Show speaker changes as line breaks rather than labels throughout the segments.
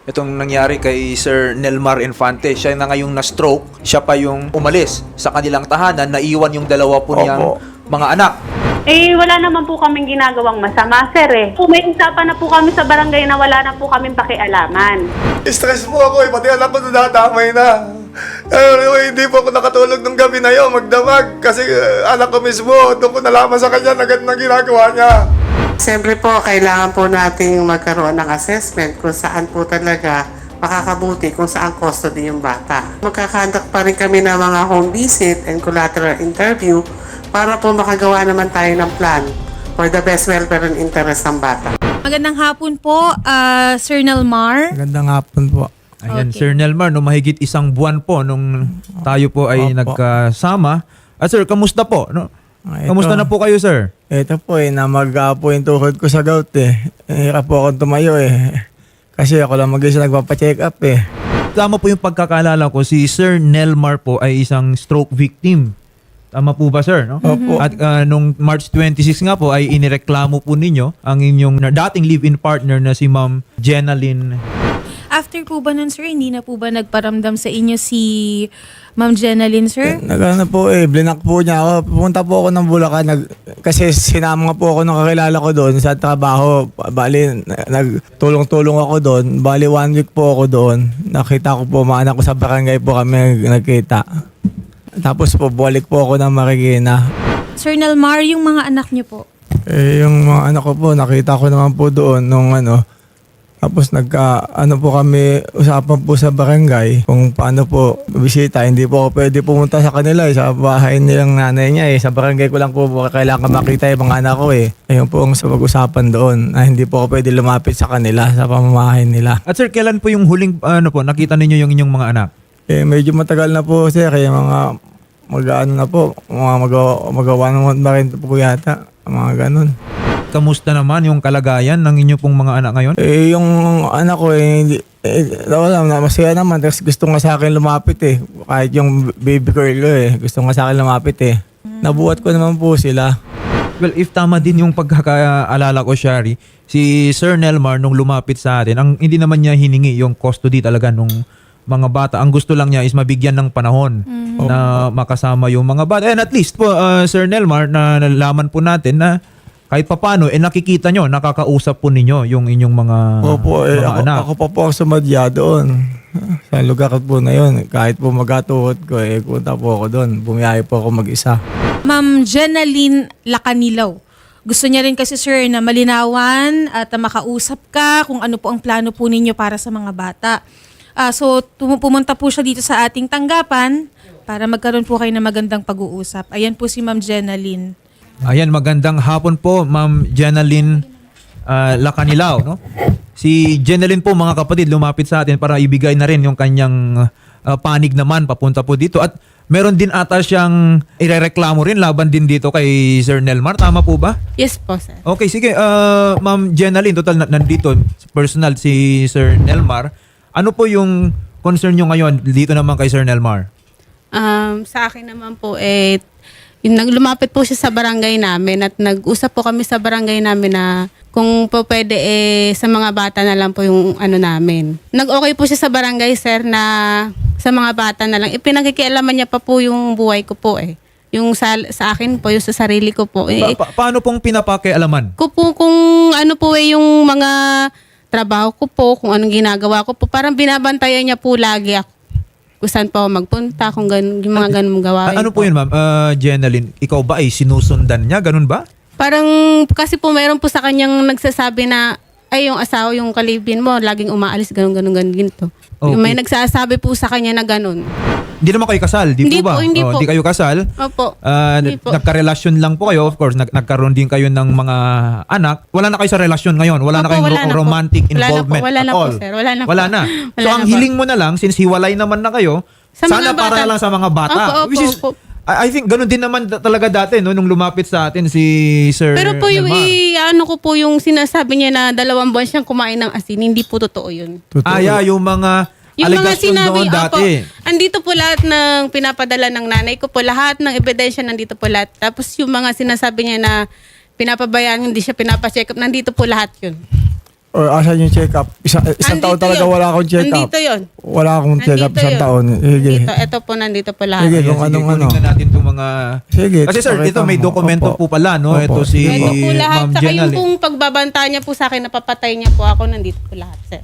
Itong nangyari kay Sir Nelmar Infante, siya na ngayong na-stroke, siya pa yung umalis sa kanilang tahanan, naiwan yung dalawa po niyang mga anak.
Wala naman po kaming ginagawang masama, sir Kung may usapan na po kami sa barangay na wala na po kaming pakialaman.
Stress po ako pati anak ko nadadamay na. Hindi po ako nakatulog nung gabi na yun, magdamag. Kasi anak ko mismo, doon ko nalaman sa kanya na ganun ang ginagawa niya.
Siyempre po, kailangan po nating magkaroon ng assessment kung saan po talaga makakabuti kung saan custody yung bata. Magkakandak pa rin kami ng mga home visit and collateral interview para po makagawa naman tayo ng plan for the best welfare and interest ng bata.
Magandang hapon po, Sir Nelmar.
Magandang hapon po.
Ayan,
Okay.
Sir Nelmar, no, mahigit isang buwan po nung tayo po ay
Opo.
nagkasama. Sir, kamusta po? No? Kamusta na po kayo, sir?
Ito po namag po yung tuhod ko sa gout Hirap po akong tumayo Kasi ako lang mag-isa nagpapacheck up
Tama po yung pagkakaalala ko, si Sir Nelmar po ay isang stroke victim. Tama po ba, sir? No?
Opo.
At nung March 26 nga po ay inireklamo po ninyo ang inyong dating live-in partner na si Ma'am Jenalyn.
After po ba nun, sir, hindi na po ba nagparamdam sa inyo si Ma'am Jenalyn, sir?
Nagano po blinak po niya ako. Pumunta po ako ng Bulacan. Kasi sinama nga po ako ng kakilala ko doon sa trabaho. Bali, nagtulong-tulong ako doon. Bali, 1 week po ako doon. Nakita ko po, mga anak ko sa barangay po kami nagkita. Tapos po, balik po ako ng Marikina.
Sir Nelmar, yung mga anak niyo po.
Yung mga anak ko po, nakita ko naman po doon nung tapos po kami, usapan po sa barangay kung paano po bisita. Hindi po ako pwede pumunta sa kanila sa bahay nilang nanay niya Sa barangay ko lang po kailangan makita yung mga anak ko Ayun po ang sa pag-usapan doon na hindi po ako pwede lumapit sa kanila sa pamamahay nila.
At sir, kailan po yung huling nakita ninyo yung inyong mga anak?
Medyo matagal na po sir, kaya mga magawa naman ba rin po yata, mga ganun.
Kamusta naman yung kalagayan ng inyo pong mga anak ngayon?
Yung anak ko wala, masaya naman. Tapos gusto nga sa akin lumapit Kahit yung baby girl ko gusto nga sa akin lumapit Nabuhat ko naman po sila.
Well, if tama din yung pagkakaalala ko, Shari, si Sir Nelmar nung lumapit sa atin, hindi naman niya hiningi yung custody talaga nung mga bata. Ang gusto lang niya is mabigyan ng panahon na makasama yung mga bata. And at least po, Sir Nelmar, na nalaman po natin na kahit papano, nakikita nyo, nakakausap po ninyo yung inyong mga, mga anak.
Ako pa po ang sumadya doon. Sa lugar po na yun. Kahit po magatuhod ko, punta po ako doon. Bumiyahe po ako mag-isa.
Ma'am Jenalyn Lacanilaw. Gusto niya rin kasi, sir, na malinawan at makausap ka kung ano po ang plano po ninyo para sa mga bata. So, pumunta po siya dito sa ating tanggapan para magkaroon po kayo ng magandang pag-uusap. Ayan po si Ma'am Jenalyn.
Ayan, magandang hapon po, Ma'am Jenalyn Lacanilaw. No? Si Jenalyn po, mga kapatid, lumapit sa atin para ibigay na rin yung kanyang panig naman papunta po dito. At meron din ata siyang irereklamo rin laban din dito kay Sir Nelmar. Tama po ba?
Yes po, sir.
Okay, sige. Ma'am Jenalyn, total nandito, personal si Sir Nelmar. Ano po yung concern nyo ngayon dito naman kay Sir Nelmar?
Sa akin naman po, lumapit po siya sa barangay namin at nag-usap po kami sa barangay namin na kung po pwede sa mga bata na lang po yung namin. Nag-okay po siya sa barangay, sir, na sa mga bata na lang. Pinagkikialaman niya pa po yung buhay ko po Yung sa akin po, yung sa sarili ko po.
Paano pong pinapakialaman?
Ko po kung ano po yung mga trabaho ko po, kung anong ginagawa ko po. Parang binabantayan niya po lagi ako. Kung saan po ako magpunta, kung yung mga ganun gawain
Ano po yun, Ma'am Jenalyn? Ikaw ba ay sinusundan niya? Ganun ba?
Parang kasi po mayroon po sa kanyang nagsasabi na yung asawa, yung kalibin mo, laging umaalis, ganun, ginto.
Okay.
May nagsasabi po sa kanya na ganun.
Hindi naman kayo kasal, di
Hindi
po ba?
po, hindi po.
Hindi kayo kasal.
Opo. Hindi po.
Nagkarelasyon lang po kayo. Of course, nagkaroon din kayo ng mga anak. Wala na kayo sa relasyon ngayon. Wala na
Opo,
kayong
wala na po.
romantic involvement
Wala na
at
po,
all.
sir. Wala na po.
Wala na.
Wala
So,
na
ang
po.
hiling mo na lang, since hiwalay naman na kayo,
Sa
sana
mga
para
bata.
lang sa mga bata.
Opo,
Which is,
opo.
I think ganun din naman talaga dati nung lumapit sa atin si Sir
Pero po yung
Nelmar.
ko po yung sinasabi niya na 2 buwan siyang kumain ng asin, hindi po totoo yun.
Yung mga
Yung mga
allegation
sinabi,
doon dati.
andito po lahat ng pinapadala ng nanay ko po, lahat ng ebidensya nandito po lahat. Tapos yung mga sinasabi niya na pinapabayaan, hindi siya pinapacheck up, nandito po lahat yun.
Or asan yung check-up? Isang taon talaga
yun.
wala akong check-up.
Nandito yun.
Wala akong check-up
Nandito
isang
yun.
taon. Sige.
Ito po, nandito po lahat.
Sige.
Ayan,
Kung
sige,
anong
kunin
ano.
na natin itong mga...
Sige.
Kasi sir,
pakita
ito may
mo.
dokumento
Opo.
po pala, no?
Opo.
Ito si
Ito po lahat.
Ma'am
Saka yung
Jenalyn.
pong pagbabanta niya po sa akin, napapatay niya po ako, nandito po lahat, sir.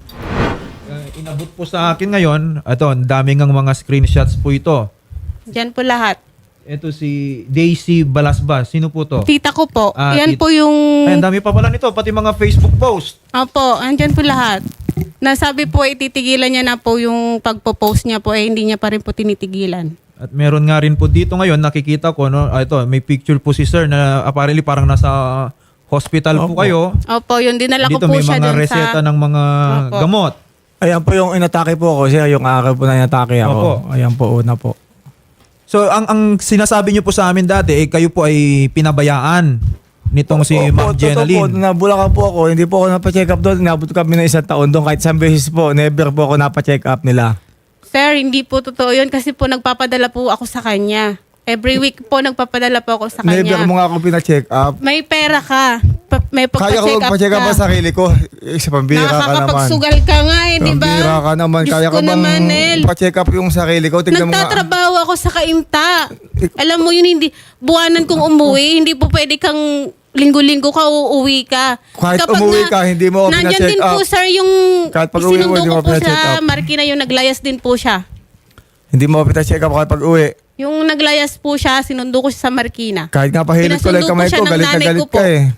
Inabot po sa akin ngayon, ito, ang daming ang mga screenshots po ito.
Diyan po lahat.
Ito si Daisy Balasbas. Sino po to?
Tita ko po. Yan
tita.
po yung...
Ay, ang dami pa pala nito, pati mga Facebook post.
Opo, andyan po lahat. Nasabi po, ititigilan niya na po yung pagpo-post niya po, hindi niya pa rin po tinitigilan.
At meron nga rin po dito ngayon, nakikita ko, no? Ito, may picture po si sir na apparently parang nasa hospital po
Opo.
kayo.
Opo, yun dinala ko
Dito
po
may
siya
mga
dun
reseta
sa...
ng mga
Opo.
gamot.
Ayan po yung inatake po ako. Siya yung araw po na inatake ako.
Opo.
Ayan po, una po.
So, ang sinasabi niyo po sa amin dati, kayo po ay pinabayaan nitong si Ma'am Jenalyn.
Totoo po, nabulakan po ako. Hindi po ako napacheck up doon. Inabot kami ng isang taon doon. Kahit isang beses po, never po ako napacheck up nila.
Sir, hindi po totoo yun kasi po nagpapadala po ako sa kanya. Every week po nagpapadala po ako sa kanya.
Never mo nga ako pinacheck up.
May pera ka. May
Kaya ko
pagpa-check up
magpa-check up
ka.
sa sarili ko. Sa pambira ka naman.
Nakakapagsugal ka nga eh, di ba?
Pambira ka naman.
Diyos
Kaya
ko
ka bang
naman, El.
pa-check up yung sarili ko? Tignan mo nga.
Nagtatrabaho ako sa kaimta. Alam mo yun, hindi, buwanan kong umuwi, hindi po pwede kang linggo-linggo ka uuwi ka.
Kahit umuwi ka, hindi mo ako
nandyan
pina-check
din po,
up.
sir, yung
Kahit pag uwi mo,
isinundo
hindi
ko
mo
po
pina-check
sa
up.
Marikina, yung naglayas din po siya.
Hindi mo pina-check up kahit pag uwi.
Yung naglayas po siya, sinundo ko siya sa Marikina.
Kahit nga pahilot ko lang yung
Pinasundo
kamay
ko siya
ko,
ng
galit na
nanay
galit
ko po.
ka eh.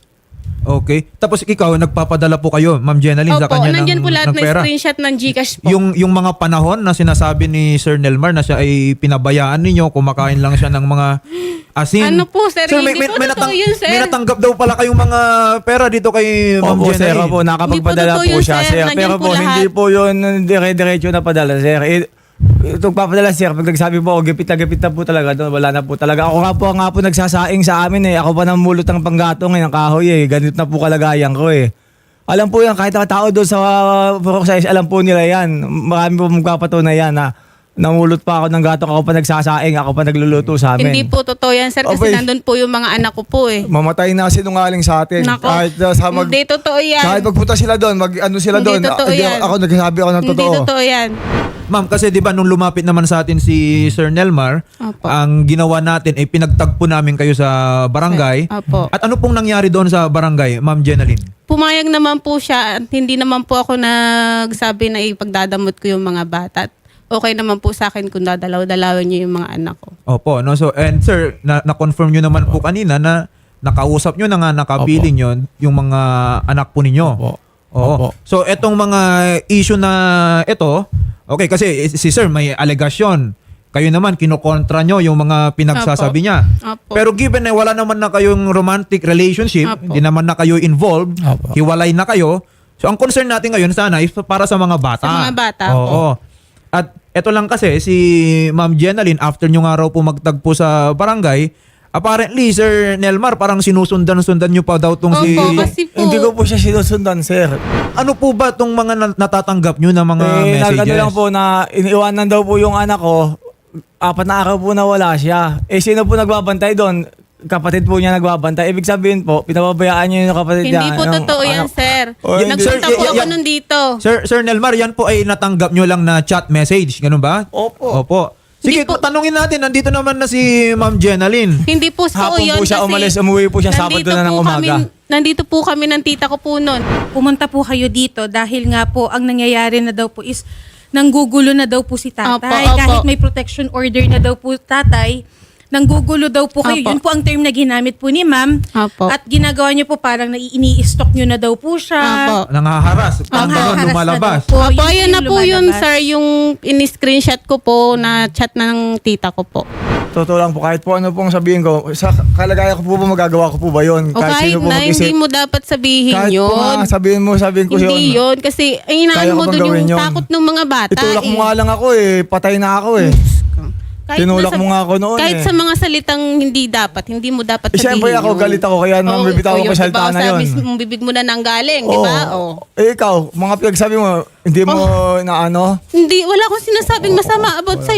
Okay. Tapos ikaw, nagpapadala po kayo, Ma'am Jenalyn, sa
Opo,
kanya
nandyan po lahat
ng
ng
pera.
screenshot ng Gcash po.
Yung mga panahon na sinasabi ni Sir Nelmar na siya ay pinabayaan ninyo, kumakain lang siya ng mga asin.
Ano po, sir? Hindi po totoo yun, sir.
May natanggap daw pala kayong mga pera dito kay Ma'am
Opo, sir,
Jenalyn.
opo, nakapagpadala
Hindi po
po
totoo
siya,
yun,
sir.
sir. Nandyan
Pero
po
po,
lahat.
hindi po yun dire-diretso na padala, sir. Itong papadala, sir, pag nagsabi po ako, gipit na po talaga doon. Wala na po talaga. Ako nga po nagsasaing sa amin eh. Ako pa namulot ng panggatong ng kahoy eh. Ganito na po kalagayan ko eh. Alam po yan, kahit ang tao doon sa Purok Size, alam po nila yan. Marami po magpapatunay yan na namulot pa ako ng gatong, ako pa nagsasaing, ako pa nagluluto sa amin.
Hindi po totoo yan, sir, kasi
Okay.
nandun po yung mga anak ko po eh.
Mamatay na sinungaling sa atin.
Nako,
Kahit
hindi totoo yan.
kahit magpunta sila doon, ano sila
Hindi
doon.
totoo yan.
Ako nagsasabi ako ng
Hindi
totoo.
totoo yan.
Ma'am, kasi 'di ba nung lumapit naman sa atin si Sir Nelmar,
Opo.
ang ginawa natin ay pinagtagpo namin kayo sa barangay.
Opo.
At ano pong nangyari doon sa barangay, Ma'am Jenalyn?
Pumayag naman po siya at hindi naman po ako nagsabi na ipagdadamot ko yung mga bata. At okay naman po sa akin kung dadalaw-dalawin niyo yung mga anak ko.
Opo, no. So, and sir, na-confirm nyo naman po kanina na nakausap nyo na nga, nakabili nyo yung mga anak po ninyo.
Opo.
Oo.
Opo.
So, etong mga issue na ito, okay, kasi si sir may alegasyon. Kayo naman, kinokontra nyo yung mga pinagsasabi
Opo.
niya.
Opo.
Pero given na wala naman na kayong romantic relationship,
Opo.
hindi naman na kayo involved,
Opo.
hiwalay na kayo, so ang concern natin ngayon sana is para sa mga bata.
Sa mga bata,
Oo. At eto lang kasi, si Ma'am Jenalyn, after nyo nga raw po magtagpo sa barangay, apparently, Sir Nelmar, parang sinusundan-sundan nyo pa daw tong si...
Opo, kasi po,
Hindi ko po siya sinusundan, sir.
Ano po ba tong mga natatanggap nyo na mga messages?
Ano lang po na iniiwanan daw po yung anak ko. 4 na araw po na wala siya. Sino po nagbabantay doon? Kapatid po niya nagbabantay. Ibig sabihin po, pinababayaan niya yung kapatid niya.
hindi po
yung
totoo yan,
anak.
sir.
Oh, hindi.
Nagpunta
Sir,
po ako
yan-
nun dito.
Sir Nelmar, yan po ay natanggap nyo lang na chat message. Ganun ba?
Opo.
Opo. Sige,
Hindi po-
tanungin natin. Nandito naman na si Ma'am Jenalyn.
Hindi po totoo
Hapon
yun
po siya
kasi
umalis, umuwi po siya Sabado
nandito
na ng
po
umaga.
Nandito po kami ng tita ko po nun.
Pumunta po kayo dito dahil nga po ang nangyayari na daw po is nanggugulo na daw po si tatay.
Opo, opo.
Kahit may protection order na daw po tatay, nanggugulo daw po kayo.
Opo.
Yun po ang term na ginamit po ni ma'am.
Opo.
At ginagawa niyo po parang ini-stock niyo na daw po siya.
Opo.
Nangaharas. Pag
Nanghaharas
ganun, lumalabas.
na daw po.
Opo,
Yun
ayun na po yun,
lumalabas.
sir, yung in-screenshot ko po na chat ng tita ko po.
Totoo lang po, kahit po ano pong sabihin ko, sa kalagayan ko po ba magagawa ko po ba yun?
O kahit
sino po
na
mag-isip.
hindi mo dapat sabihin
Kahit
yun.
po nga sabihin ko
Hindi yun. Kasi ang
Kaya
inaan
ko
mo
bang
dun
gawin
yung
yun?
takot ng mga bata.
Itulak mo
eh.
nga lang ako eh, patay na ako eh.
Kahit
Tinulak
nasa-
mo nga ako noon
Kahit
eh.
sa mga salitang hindi dapat, hindi mo dapat
Eh,
sabihin
siyempre ako,
yun.
galit ako, kaya naman bibitawan ko
yun,
sa salita
diba,
na
sa
yun.
mismong bibig mo na nanggaling, di ba? Oh.
Eh ikaw, mga pinagsabi mo, hindi mo na ano?
Hindi, wala akong sinasabing masama about sa'yo.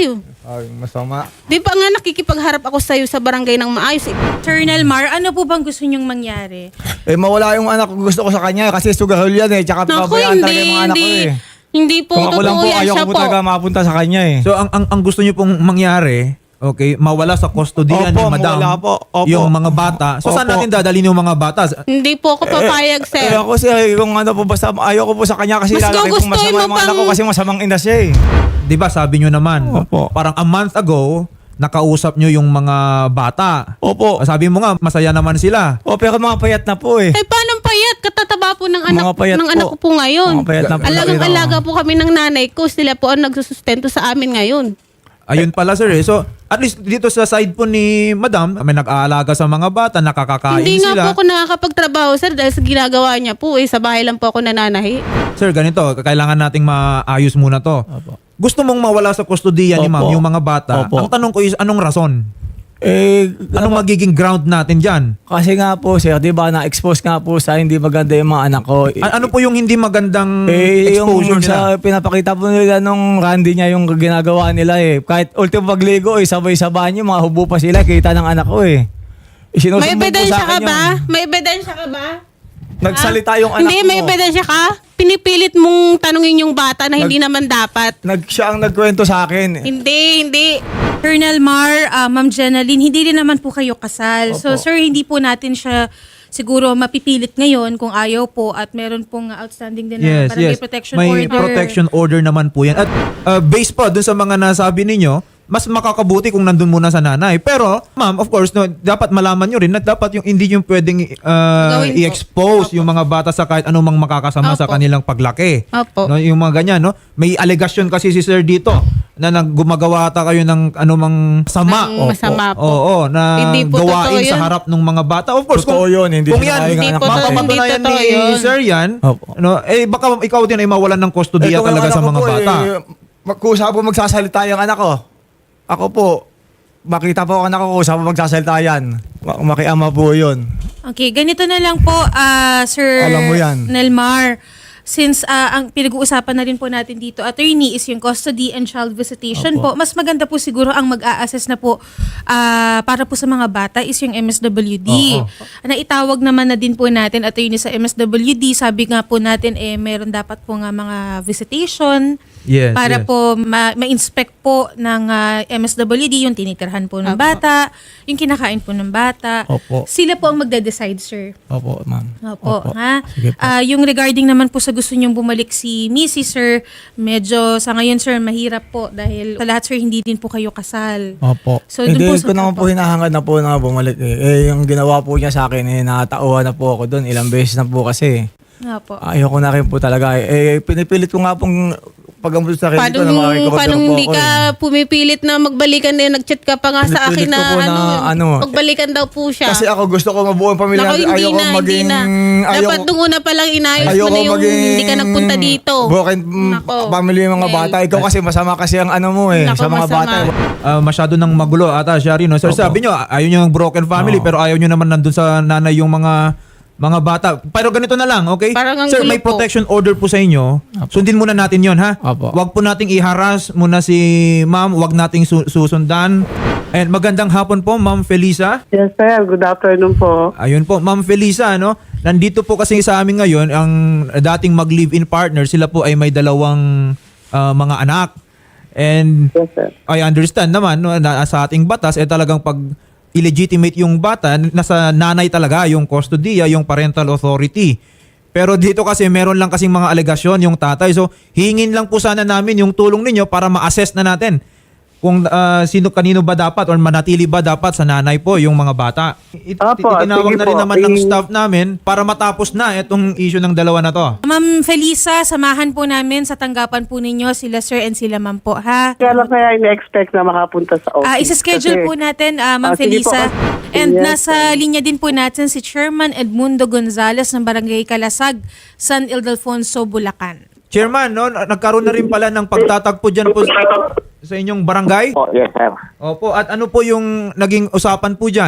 Ay, masama.
Di ba nga nakikipagharap ako sa'yo sa barangay ng maayos eh.
Sir Nelmar, ano po bang gusto niyong mangyari?
Eh, mawala yung anak ko. Gusto ko sa kanya kasi sugarol yan eh. Tsaka
Naku,
pabayaan talaga yung mga anak ko
hindi.
eh.
Hindi po,
Kung ako lang
totoo
po,
yan
ayaw
siya
ko
po.
talaga mapunta sa kanya eh.
So ang gusto niyo pong mangyari, okay, mawala sa kustodiya ni
Opo,
Madam
mawala po. Opo.
yung mga bata. So saan
Opo.
natin dadalhin yung mga bata?
Hindi po ako papayag, sir.
Eh, ako sir, kung ano po basta ayaw ko po sa kanya kasi
Mas
lalaki pong
gugustuhin
masama
mo
yung mga anak ko
pang-
kasi masamang ina siya eh.
'Di ba sabi niyo naman,
Opo.
parang a month ago, nakausap niyo yung mga bata.
Opo.
Sabi mo nga, masaya naman sila.
O pero mga payat na po eh.
Eh, paano payat? Katataba po ng anak,
Mga payat
ng
po.
anak ko po ngayon.
Mga payat na po.
Alagang-alaga po kami ng nanay ko. Sila po ang nagsusustento sa amin ngayon.
Ayun pala sir eh. So at least dito sa side po ni Madam, may nag-aalaga sa mga bata, nakakakain
Hindi nga
sila.
po ako nakakapagtrabaho, sir, dahil sa ginagawa niya po. Sa bahay lang po ako nananahi.
Sir, ganito, kailangan nating maayos muna to.
Opo.
Gusto mong mawala sa kustodiya ni
Opo.
Ma'am yung mga bata.
Opo.
Ang tanong ko is anong rason?
Eh,
Anong magiging ground natin diyan?
kasi nga po sir, di ba na-expose nga po sa hindi maganda yung mga anak ko.
Ano po yung hindi magandang
Yung
exposure nila?
sa pinapakita po nila nung Randy niya yung ginagawa nila eh. Kahit ultimo pagligo eh, sabay-sabay niyo, mga hubo pa sila, kita ng anak ko eh. Isinusumbong
May
po sa
ebidensya ka
akin
ba?
yun.
May ebidensya ka ba?
Nagsalita yung anak
Hindi,
ko.
may ebidensya ka? Pinipilit mong tanungin yung bata na hindi naman dapat.
Siya ang nagkwento sa akin.
Hindi.
Colonel Mar, Ma'am Jenaline, hindi rin naman po kayo kasal. So
Opo.
sir, hindi po natin siya siguro mapipilit ngayon kung ayaw po at meron pong outstanding din na barangay protection
May
order.
protection order naman po yan. At based po dun sa mga nasabi ninyo, mas makakabuti kung nandun muna sa nanay. Pero, ma'am, of course, no, dapat malaman nyo rin na dapat yung hindi yung pwedeng
Gawin po.
i-expose yung mga bata sa kahit anumang makakasama sa
Opo.
kanilang paglaki.
Opo.
No, yung mga ganyan, no? May allegation kasi si sir dito na gumagawa ata kayo ng anumang sama.
Ng masama po.
Oo, na
Hindi po
gawain
totoo
sa
yun.
harap ng mga bata. Of course,
Totoo yun, hindi
kung
sinungaling
yan,
ang
Hindi
anak
po
natin.
totoo,
mapapatunayan
hindi
ni
totoo yun.
sir yan,
Opo.
no, baka ikaw din ay mawalan ng kustodiya
kung yung
talaga sa
anak ko
mga
po,
bata.
Kusa po magsasalita yung anak ko. Ako po, makita po ang anak ko, kusa po magsasalita yan. Makiama po yun.
Okay, ganito na lang po, Sir
Alam mo yan.
Nelmar. Since ang pinag-uusapan na rin po natin dito, attorney, is yung custody and child visitation
Opo.
po. Mas maganda po siguro ang mag-a-assess na po para po sa mga bata is yung MSWD. Naitawag naman na din po natin, attorney, sa MSWD. Sabi nga po natin, meron dapat po nga mga visitation
Yes,
para
yes.
po ma-inspect po ng MSWD yung tinitirhan po ng bata, yung kinakain po ng bata.
Opo.
Sila po ang magde-decide, sir.
Opo, ma'am.
Opo, ha?
Sige po.
Yung regarding naman po sa gusto niyong bumalik si Missy, sir, medyo sa ngayon, sir, mahirap po dahil sa lahat, sir, hindi din po kayo kasal.
Opo.
So, dun
Hindi
po sa-
ko naman po hinahangad na po na bumalik eh. Yung ginawa po niya sa akin, nakatauhan na po ako doon. Ilang beses na po kasi.
Opo.
Ayoko na rin po talaga. Pinipilit ko nga pong pag-ambot sa akin
Paano,
dito na makikipag
paano
po
hindi
ako
ka
eh.
pumipilit na magbalikan din? Nag-chat ka pa nga sa akin
Pinipilit ko
na,
po na ano,
magbalikan daw po siya.
Kasi ako gusto ko mabuo ang pamilya.
Naku, hindi
Ayoko
na,
maging...
hindi na. Dapat nung una pa lang inayos mo
Ayoko
na yung
maging...
hindi ka nagpunta dito.
Broken
Nako.
family yung mga
Eh.
bata. Ikaw kasi masama kasi ang ano mo eh.
Nako,
sa mga
masama.
bata.
Masyado nang magulo ata siya rin. No? Sir,
Opo.
sabi nyo, ayaw nyo ng broken family,
Oo.
pero ayaw nyo naman nandun sa nanay yung mga bata. Pero ganito na lang, okay?
Parang ang
Sir,
gulo
may
po.
protection order po sa inyo. Sundin muna natin yon ha?
Opo.
Wag po nating i-harass muna si ma'am. Wag nating susundan. And magandang hapon po, Ma'am Felisa.
Yes, sir. Good afternoon po.
Ayun po, Ma'am Felisa, no? Nandito po kasi sa amin ngayon, ang dating mag-live-in partner, sila po ay may dalawang mga anak. And
Yes, sir.
I understand naman no, na sa ating batas talagang pag illegitimate yung bata, nasa nanay talaga yung custodiya, yung parental authority. Pero dito kasi meron lang kasing mga alegasyon yung tatay. So hingin lang po sana namin yung tulong ninyo para ma-assess na natin kung kanino ba dapat or manatili ba dapat sa nanay po yung mga bata.
Opo,
Itinawag
sige
na rin
po.
naman ng staff namin para matapos na itong issue ng dalawa na to.
Ma'am Felisa, samahan po namin sa tanggapan po ninyo sila, sir, and sila, ma'am po, ha?
Kaya lang kaya ina-expect na makapunta sa office.
Isa-schedule
Kasi-
po natin, Ma'am
Sige po,
Felisa.
kasi-
And
Yes,
nasa linya din po natin si Chairman Edmundo Gonzales ng Barangay Kalasag, San Ildefonso, Bulacan.
Chairman, no, nagkaroon na rin pala ng pagtatagpo dyan po sa inyong barangay.
Oh, yes, sir.
Opo, at ano po yung naging usapan po dyan?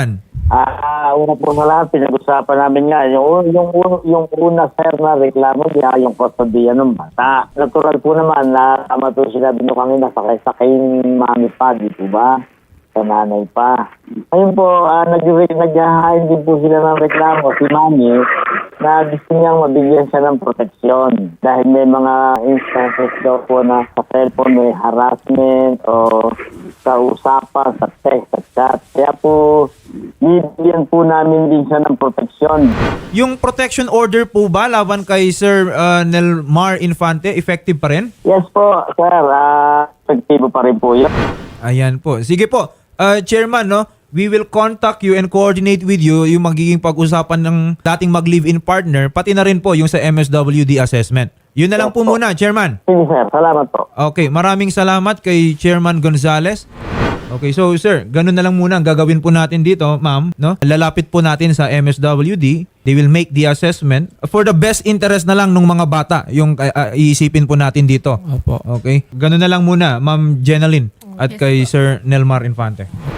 Una po sa lahat, pinag-usapan namin nga, yung una sir na reklamo niya, yung kustodiya ng bata. Natural po naman na tama po sinabi nyo kanina, sakay-sakay yung mami pa, di po ba? Sa nanay pa. Ngayon po, naghahain din po sila ng reklamo, si mami, na gusto niyang mabigyan siya ng proteksyon. Dahil may mga instances daw po na sa cellphone may harassment o sa usapan, sa text, at chat. Kaya po, bibigyan po namin din siya ng proteksyon.
Yung protection order po ba laban kay Sir Nelmar Infante, effective pa rin?
Yes po, sir. Efektibo pa rin po yun.
Ayan po. Sige po. Chairman, no? We will contact you and coordinate with you yung magiging pag-usapan ng dating mag-live-in partner, pati na rin po yung sa MSWD assessment. Yun na lang po muna, Chairman.
Sige, sir. Salamat po.
Okay, maraming salamat kay Chairman Gonzales. Okay, so sir, ganun na lang muna ang gagawin po natin dito, ma'am, no? Lalapit po natin sa MSWD. They will make the assessment for the best interest na lang ng mga bata, yung iisipin po natin dito.
Opo.
Okay? Ganun na lang muna, Ma'am Jenaline at kay Sir Nelmar Infante.